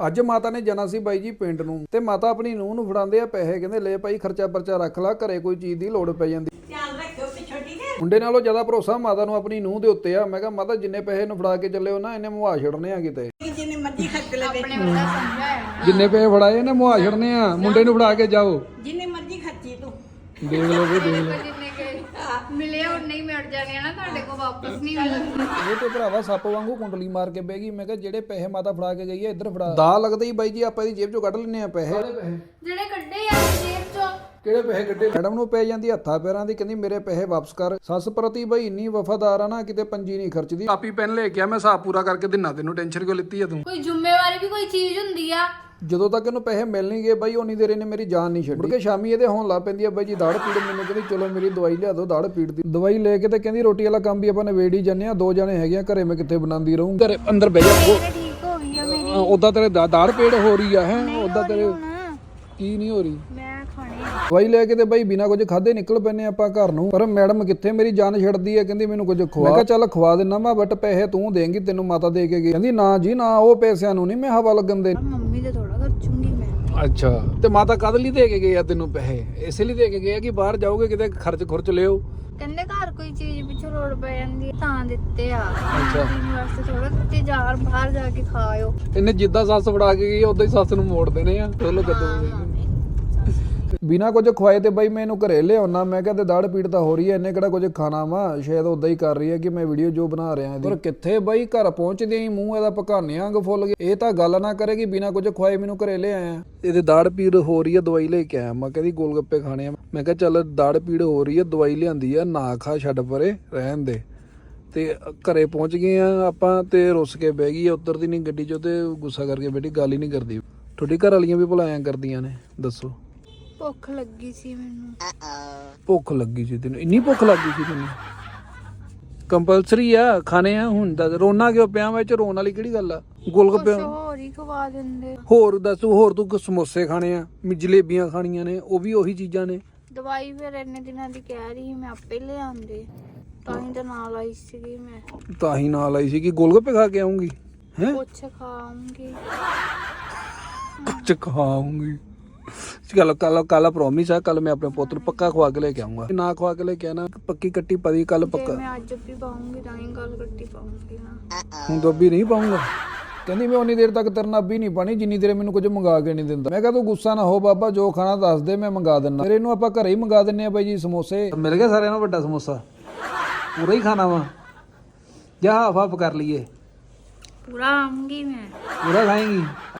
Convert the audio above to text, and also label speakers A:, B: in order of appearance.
A: ਅੱਜ ਮਾਤਾ ਨੇ ਜਾਣਾ ਸੀ ਬਾਈ ਜੀ ਪਿੰਡ ਨੂੰ ਤੇ ਮਾਤਾ ਆਪਣੀ ਨੂੰਹ ਨੂੰ ਫੜਾਉਂਦੇ ਆ ਪੈਸੇ, ਕਹਿੰਦੇ ਲੈ ਭਾਈ ਖਰਚਾ ਪਰਚਾ ਰੱਖ ਲਾ, ਘਰੇ ਕੋਈ ਚੀਜ਼ ਦੀ ਲੋੜ ਪੈ ਜਾਂਦੀ।
B: ਧਿਆਨ ਰੱਖਿਓ ਤੇ ਛੋਟੀ ਦੇ
A: ਮੁੰਡੇ ਨਾਲੋਂ ਜ਼ਿਆਦਾ ਭਰੋਸਾ ਮਾਤਾ ਨੂੰ ਆਪਣੀ ਨੂੰਹ ਦੇ ਉੱਤੇ ਆ। ਮੈਂ ਕਿਹਾ ਮਾਤਾ ਜਿੰਨੇ ਪੈਸੇ ਨੂੰ ਫੜਾ ਕੇ ਚੱਲੇ ਹੋ ਨਾ ਇਹਨੇ ਮੁਹਾ ਛੱਡਣੇ ਆ ਕਿਤੇ,
B: ਜਿੰਨੇ ਮਰਜ਼ੀ ਖਰਚ ਲੈ
C: ਆਪਣੇ ਵੱਡਾ ਸਮਝਾਇਆ
A: ਜਿੰਨੇ ਪੈਸੇ ਫੜਾਏ ਇਹਨੇ ਮੁਹਾ ਛੱਡਣੇ ਆ। ਮੁੰਡੇ ਨੂੰ ਫੜਾ ਕੇ ਜਾਓ,
B: ਜਿੰਨੇ ਮਰਜ਼ੀ ਖਰਚੀ ਤੂੰ
A: ਦੇਖ ਲਓ ਵੀ ਦੇਖ ਲਓ।
C: ਜਿੰਨੇ ਗਏ ਮਿਲੇ ਉਹਨੇ ਹੀ ਮਿਟ ਜਾਣੇ ਆ ਨਾ, ਤੁਹਾਡੇ ਕੋਲ ਵਾਪਸ ਨਹੀਂ ਮਿਲਣੇ।
A: ਇਹ ਤੇ ਭਰਾਵਾ ਸੱਪ ਵਾਂਗੂ ਕੁੰਡਲੀ ਮਾਰ ਕੇ ਬਹਿ ਗਈ। ਮੈਂ ਕਿਹਾ ਜਿਹੜੇ ਪੈਸੇ ਮਾਤਾ ਫੜਾ ਕੇ ਗਈ ਆ ਇੱਧਰ ਫੜਾ। ਦਾ ਲੱਗਦਾ ਹੀ ਬਾਈ ਜੀ ਆਪਾਂ ਇਹਦੀ ਜੇਬ ਚੋਂ ਕੱਢ ਲੈਨੇ ਆ ਪੈਸੇ।
C: ਜਿਹੜੇ ਕੱਢੇ ਆ ਜੇਬ ਚੋਂ।
A: ਕਿਹੜੇ ਪੈਸੇ ਕੱਢੇ? ਮੈਡਮ ਨੂੰ ਪੈ ਜਾਂਦੀ ਹੱਥਾਂ ਪੈਰਾਂ ਦੀ, ਕਹਿੰਦੀ ਮੇਰੇ ਪੈਸੇ ਵਾਪਸ ਕਰ। ਸੱਸ ਪ੍ਰਤੀ ਬਈ ਇੰਨੀ ਵਫਾਦਾਰ ਆ ਨਾ, ਕਿਤੇ ਪੰਜੀ ਨਹੀਂ ਖਰਚਦੀ। ਕਾਪੀ ਪੈਨ ਲੈ ਕੇ ਆ, ਮੈਂ ਹਿਸਾਬ ਪੂਰਾ ਕਰਕੇ ਦਿਨਾ। ਤੈਨੂੰ ਟੈਨਸ਼ਨ ਕਿਉਂ ਲਿੱਤੀ ਆ ਤੂੰ?
C: ਕੋਈ ਜ਼ਿੰਮੇਵਾਰੀ ਵੀ ਕੋਈ ਚੀਜ਼ ਹੁੰਦੀ ਆ।
A: ਜਦੋਂ ਤੱਕ ਇਹਨੂੰ ਪੈਸੇ ਮਿਲ ਨਹੀਂ ਗਏ ਬਾਈ ਉਨੀ ਦੇਰ ਇਹਨੇ ਮੇਰੀ ਜਾਨ ਨਹੀਂ ਛੱਡੀ। ਕਿ ਸ਼ਾਮੀ ਇਹਦੇ ਹੋਣ ਲੱਗ ਪੈਂਦੀ ਆ ਬਾਈ ਜੀ ਦਾੜ ਪੀੜ। ਮੈਨੂੰ ਕਹਿੰਦੀ ਚਲੋ ਮੇਰੀ ਦਵਾਈ ਲਿਆ ਦਿਓ ਦਾੜ ਪੀੜ ਦੀ। ਦਵਾਈ ਲੈ ਕੇ ਤੇ ਕਹਿੰਦੀ ਰੋਟੀ ਵਾਲਾ ਕੰਮ ਵੀ ਆਪਾਂ ਨਿਬੇੜ ਹੀ ਜਾਂਦੇ ਆ। 2 ਜਣੇ ਹੈਗੇ ਆ ਘਰੇ, ਮੈਂ ਕਿੱਥੇ ਬਣਾਉਂਦੀ ਰਹੂੰ। ਘਰੇ ਅੰਦਰ ਬਹਿ ਜਾ।
C: ਠੀਕ ਹੋ ਗਈ ਆ ਮੇਰੀ।
A: ਉਦਾਂ ਤੇਰੇ ਦਾੜ ਪੀੜ ਹੋ ਰਹੀ ਆ ਹੈ? ਉਦਾਂ ਤੇਰੇ ਕੀ ਨਹੀਂ ਹੋ ਰਹੀ?
C: ਮੈਂ ਖਾਣੇ
A: ਦਵਾਈ ਲੈ ਕੇ ਤੇ ਬਾਈ ਬਿਨਾ ਕੁਝ ਖਾਦੇ ਨਿਕਲ ਪੈਨੇ ਆਪਾਂ ਘਰ ਨੂੰ। ਪਰ ਮੈਡਮ ਕਿੱਥੇ ਮੇਰੀ ਜਾਨ ਛੱਡਦੀ ਹੈ, ਕਹਿੰਦੀ ਮੈਨੂੰ ਕੁਝ ਖਵਾ। ਮੈਂ ਕਿਹਾ ਚੱਲ ਖਵਾ ਦਿੰਨਾ ਮੈਂ, ਬਟ ਪੈਸੇ ਤੂੰ ਦੇਂਗੀ, ਤੈਨੂੰ ਮਾਤਾ ਦੇ ਕੇ ਗਈ। ਕਹਿੰਦੀ ਨਾ ਜੀ ਨਾ, ਉਹ ਪੈਸਿਆਂ ਨੂੰ ਨਹੀਂ ਮੈਂ ਹਵਾ ਲੱਗਣ ਦੇ।
C: ਮੰਮੀ ਦੇ ਥੋੜਾ ਖਰਚੂੰਗੀ ਮੈਂ।
A: ਅੱਛਾ, ਤੇ ਮਾਤਾ ਕਦ ਲਈ ਦੇ ਕੇ ਗਏ ਆ ਤੈਨੂੰ ਪੈਸੇ? ਇਸੇ ਲਈ ਦੇ ਕੇ ਗਏ ਆ ਕਿ ਬਾਹਰ ਜਾਓਗੇ ਕਿਤੇ ਖਰਚ ਲਿਓ?
C: ਕਹਿੰਦੇ ਘਰ ਕੋਈ ਚੀਜ਼ ਪਿੱਛੋਂ ਲੋੜ ਪੈ ਜਾਂਦੀ ਹੈ ਤਾਂ ਦਿੱਤੇ ਆ।
A: ਅੱਛਾ।
C: ਪੀਣ ਵਾਸਤੇ ਥੋੜਾ ਦਿੱਤੇ, ਬਾਹਰ ਜਾ ਕੇ ਖਾਇਓ।
A: ਇਹਨੇ ਜਿੱਦਾਂ ਸੱਸ ਫੜਾ ਕੇ ਗਈ ਉਦਾਂ ਹੀ ਸੱਸ ਨੂੰ ਮੋੜ ਦੇਣੇ ਆ। ਚਲੋ ਕਦੋਂ ਬਿਨਾ ਕੁਝ ਖਵਾਏ ਤੇ ਬਾਈ ਮੈਂ ਇਹਨੂੰ ਘਰੇ ਲਿਆਉਣਾ। ਮੈਂ ਕਿਹਾ ਤੇ ਦਾੜ ਪੀੜ ਤਾਂ ਹੋ ਰਹੀ ਹੈ, ਇਹਨੇ ਕਿਹੜਾ ਕੁਝ ਖਾਣਾ ਵਾ। ਸ਼ਾਇਦ ਉਦਾਂ ਹੀ ਕਰ ਰਹੀ ਹੈ ਕਿ ਮੈਂ ਵੀਡੀਓ ਜੋ ਬਣਾ ਰਿਹਾ ਇਹਦੀ। ਪਰ ਕਿੱਥੇ ਬਾਈ ਘਰ ਪਹੁੰਚਦੇ ਹੀ ਮੂੰਹ ਇਹਦਾ ਪਕਾਨਿਆਂ ਵਾਂਗ ਫੁੱਲ ਗਿਆ। ਇਹ ਤਾਂ ਗੱਲ ਨਾ ਕਰੇਗੀ ਬਿਨਾ ਕੁਝ ਖਵਾਏ ਮੈਨੂੰ ਘਰੇ ਲੈ ਆਇਆ। ਇਹਦੇ ਦਾੜ ਪੀੜ ਹੋ ਰਹੀ ਹੈ, ਦਵਾਈ ਲੈ ਕੇ ਆਇਆ। ਮੈਂ ਕਹਿੰਦੀ ਗੋਲ ਗੱਪੇ ਖਾਣੇ ਆ। ਮੈਂ ਕਿਹਾ ਚੱਲ ਦਾੜ ਪੀੜ ਹੋ ਰਹੀ ਹੈ, ਦਵਾਈ ਲਿਆਂਦੀ ਆ, ਨਾ ਖਾ, ਛੱਡ ਪਰੇ, ਰਹਿਣ ਦੇ। ਤੇ ਘਰੇ ਪਹੁੰਚ ਗਏ ਆ ਆਪਾਂ ਤੇ ਰੁੱਸ ਕੇ ਬਹਿ ਗਈ। ਉਤਰਦੀ ਨਹੀਂ ਗੱਡੀ ਚੋਂ ਤੇ ਗੁੱਸਾ ਕਰਕੇ ਬੈਠੀ, ਗੱਲ ਹੀ ਨਹੀਂ ਕਰਦੀ। ਤੁਹਾਡੀ ਘਰ ਵਾਲੀਆਂ ਵੀ ਭੁਲਾਇਆ ਕਰਦੀਆਂ ਨੇ, ਦੱਸੋ?
C: ਭੁੱਖ ਲੱਗੀ ਸੀ ਮੈਨੂੰ।
A: ਭੁੱਖ ਲੱਗੀ ਸੀ ਤੈਨੂੰ? ਇੰਨੀ ਭੁੱਖ ਲੱਗੀ ਸੀ ਤੈਨੂੰ? ਕੰਪਲਸਰੀ ਆ ਖਾਣੇ ਆ ਹੁਣ ਦਾ। ਰੋਣਾ ਕਿਉਂ ਪਿਆ? ਵਿੱਚ ਰੋਣ ਵਾਲੀ ਕਿਹੜੀ ਗੱਲ ਆ? ਗੋਲਗੱਪੇ
C: ਹੋਰ ਹੀ ਖਵਾ ਦਿੰਦੇ।
A: ਹੋਰ ਦੱਸ, ਹੋਰ ਤੂੰ ਸਮੋਸੇ ਖਾਣੇ ਆ, ਜਲੇਬੀਆਂ ਖਾਣੀਆਂ ਨੇ, ਉਹ ਵੀ ਉਹੀ ਚੀਜ਼ਾਂ ਨੇ।
C: ਦਵਾਈ ਫਿਰ ਇੰਨੇ ਦਿਨਾਂ ਦੀ ਕਹਿ ਰਹੀ ਸੀ, ਮੈਂ ਆਪੇ ਲਿਆਂਦੇ। ਤਾਂ ਹੀ ਤਾਂ ਨਾਲ ਆਈ ਸੀਗੀ ਮੈਂ।
A: ਤਾਂ ਹੀ ਨਾਲ ਆਈ ਸੀ ਕਿ ਗੋਲਗੱਪੇ ਖਾ ਕੇ ਆਉਂਗੀ? ਹੈ
C: ਕੁਛ ਖਾਉਂਗੀ।
A: ਕੁਝ ਖਾਉਂਗੀ? ਕੱਲ ਪ੍ਰੋਮਿਸ ਆ, ਕੱਲ ਮੈਂ ਆਪਣੇ ਪੁੱਤ ਨੂੰ ਪੱਕਾ ਖਵਾ ਕੇ ਲੈ ਕੇ ਆਉਂਗਾ। ਨਾ ਖਵਾ ਕੇ ਲੈ ਕੇ ਆਣਾ, ਪੱਕੀ ਕੱਟੀ ਪਦੀ ਕੱਲ ਪੱਕਾ।
C: ਮੈਂ ਅੱਜ ਵੀ ਪਾਉਂਗੀ ਤਾਂ ਹੀ ਗੱਲ ਕੱਟੀ ਪਾਉਂਗੀ ਨਾ।
A: ਹੁਣ ਤਾਂ ਵੀ ਨਹੀਂ ਪਾਉਂਗਾ। ਕਹਿੰਦੀ ਮੈਂ ਉਨੀ ਦੇਰ ਤੱਕ ਤੇਰੇ ਨਾਲ ਵੀ ਨਹੀਂ ਪਾਣੀ ਜਿੰਨੀ ਦੇਰ ਮੈਨੂੰ ਕੁਝ ਮੰਗਾ ਕੇ ਨਹੀਂ ਦਿੰਦਾ। ਮੈਂ ਕਿਹਾ ਤੂੰ ਗੁੱਸਾ ਨਾ ਹੋ ਬਾਬਾ, ਜੋ ਖਾਣਾ ਦੱਸ ਦੇ ਮੈਂ ਮੰਗਾ ਦਿੰਦਾ। ਫਿਰ ਇਹਨੂੰ ਆਪਾਂ ਘਰੇ ਹੀ ਮੰਗਾ ਦਿੰਨੇ ਆ ਬਾਈ ਜੀ ਸਮੋਸੇ। ਮਿਲ ਗਿਆ ਸਾਰਿਆਂ ਨੂੰ ਵੱਡਾ ਸਮੋਸਾ? ਪੂਰਾ ਹੀ ਖਾਣਾ ਵਾ ਜਾਂ ਹਾਫ ਹਾਫ ਕਰ ਲਈਏ?
C: ਪੂਰਾ ਆਉਂਗੀ ਮੈਂ।
A: ਪੂਰਾ ਖਾਏਂਗੀ?